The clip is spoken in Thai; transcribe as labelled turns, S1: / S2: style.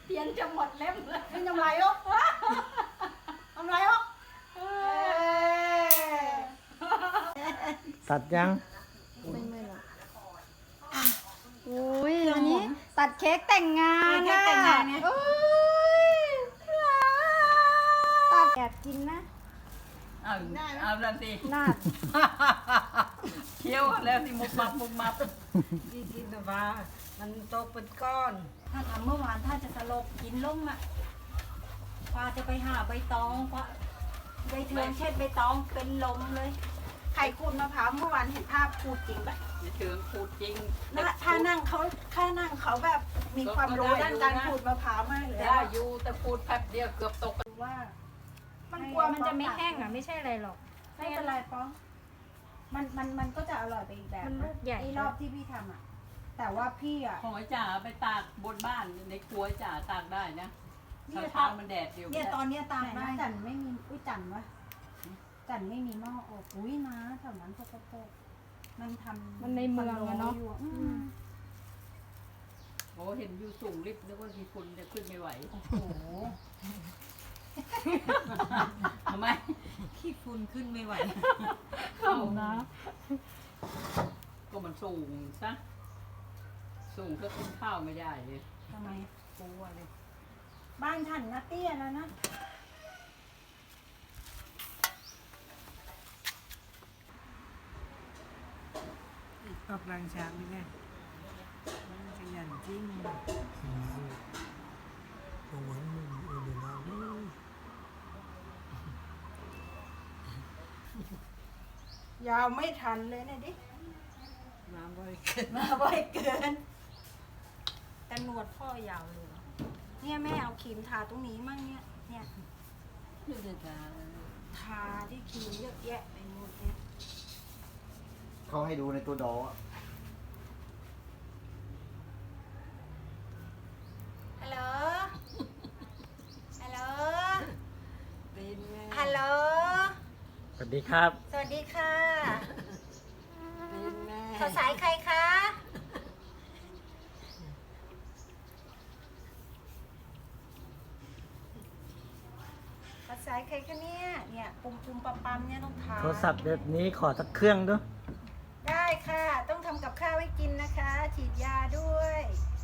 S1: เทียนจะหมดเล่มเลย
S2: เป็นทำไรลูกทำไรลูก
S3: ตัดยัง
S1: ไม่หรอกอุ้ยอันนี้ตัดเค้กแต่งงานนะโอ้ยตัดแอบกินนะ
S4: เอาแล้วสิ
S1: น่า
S4: เคี้ยวแล้วสิมุกมับมุกมับ
S2: ดีกินแต่ว่ามันโตเป็นก้อน
S1: ถ้าทำเมื่อวานถ้าจะสลบกินลงอ่ะป้าจะไปหาใบตองป้าใบเทืองเช็ดใบตองเป็นลมเลย
S2: ไข่ขูดมะพร้าวเมื่อวานเห็นภาพขูดจริงปะ
S4: จะถึงขูดจริง
S2: ถ้านั่งเขาแบบมีความรู้ด้านการขูดมะพร้าวมากเลย
S4: ได้อยู่แต่ขูดแป๊บเดียวเกือบตก
S2: ว่า
S1: มันกลัวมันจะไม่แห้งอ่ะไม่ใช่อะไรหรอก
S2: ไม่เป็นไรป้องมันก็จะอร่อยไปอีกแบบ
S1: มันลูกใหญ่
S2: ไอ้รอบที่พี่ทำอ่ะ แต่ว่าพี่อ่ะ
S4: ของไอ้จ่าไปตากบนบ้านในครัวจ่าตากได้นะ
S2: เนี่ย
S4: เช้ามันแดดเดียว
S2: เนี่ยตอนเนี้ยตามได้จันไม่มีอุ้ยจันวะจันไม่มีหม้ออบอุ้ยนะแถวนั้นโปกมันทำ
S1: มันในเมืองอะเนาะ
S2: อยู่ม
S4: โอ้เห็นอยู่สูงลิฟต์นึกว่ามีคนจะขึ้นไม่ไหว
S2: โอ้โห
S4: ทำไม
S2: ขี้ฝุ่นขึ้นไม่ไหว
S4: เข้านะก็มันสูงซะสูงก็กินข้าวไม่ได้เลย
S2: ทำไม
S4: กลัวเลย
S2: บ้านฉันนะเตี้ยแล้วนะออกแรงช้างนี่ไงขยันจริง ยาวไม่ทันเลยเนี่ยดิ
S4: น้ำบ่อยเกิน
S2: มาบ่อยเกิน แต่หนวดพ่อยาวเลยเนี่ยแม่เอาครีมทาตรงนี้มั่งเนี่ย
S4: ดูเด็ดจ้า
S2: ทาที่ครีมเยอะแยะไปหมดเนี่ย
S3: เขาให้ดูในตัวดออะ
S2: ฮัลโหล ฮัลโหล
S4: เป็นไง
S2: ฮัลโหล
S3: สวัสดีครับ
S2: สวัสดีค่ะ
S4: เป็นไง
S2: สาวสายใครคะสาวสายใครคะเนี่ยปุ่มปั๊มเนี่ยต้องทา
S3: โทรศัพท์แบบนี้ขอสักเครื่องด้วย
S2: ได้ค่ะ ต้องทำกับข้าวให้กินนะคะ ฉีดยาด้วย